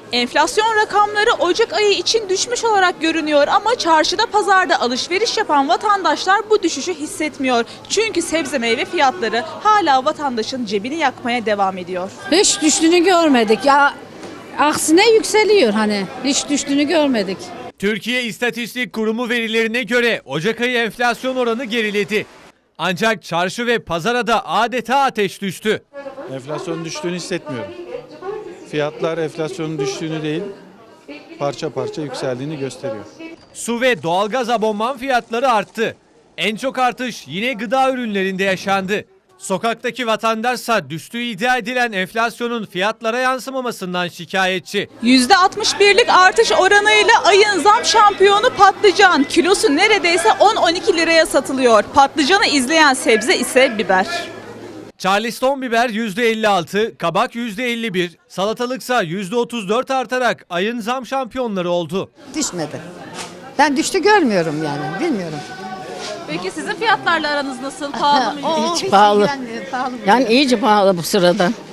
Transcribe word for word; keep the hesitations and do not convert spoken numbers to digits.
Enflasyon rakamları Ocak ayı için düşmüş olarak görünüyor ama çarşıda pazarda alışveriş yapan vatandaşlar bu düşüşü hissetmiyor. Çünkü sebze meyve fiyatları hala vatandaşın cebini yakmaya devam ediyor. Hiç düştüğünü görmedik ya, aksine yükseliyor, hani hiç düştüğünü görmedik. Türkiye İstatistik Kurumu verilerine göre Ocak ayı enflasyon oranı geriledi. Ancak çarşı ve pazara da adeta ateş düştü. Enflasyonun düştüğünü hissetmiyorum. Fiyatlar enflasyonun düştüğünü değil, parça parça yükseldiğini gösteriyor. Su ve doğalgaz abonman fiyatları arttı. En çok artış yine gıda ürünlerinde yaşandı. Sokaktaki vatandaşsa düştüğü iddia edilen enflasyonun fiyatlara yansımamasından şikayetçi. yüzde altmış birlik artış oranıyla ayın zam şampiyonu patlıcan. Kilosu neredeyse on on iki liraya satılıyor. Patlıcanı izleyen sebze ise biber. Charleston biber yüzde elli altı, kabak yüzde elli bir, salatalıksa yüzde otuz dört artarak ayın zam şampiyonları oldu. Düşmedi. Ben düştü görmüyorum yani, bilmiyorum. Peki sizin fiyatlarla aranız nasıl? Pahalı mı? O Hiç hiç pahalı. ilgilenmiyor, pahalı Yani buluyor. iyice pahalı bu sırada.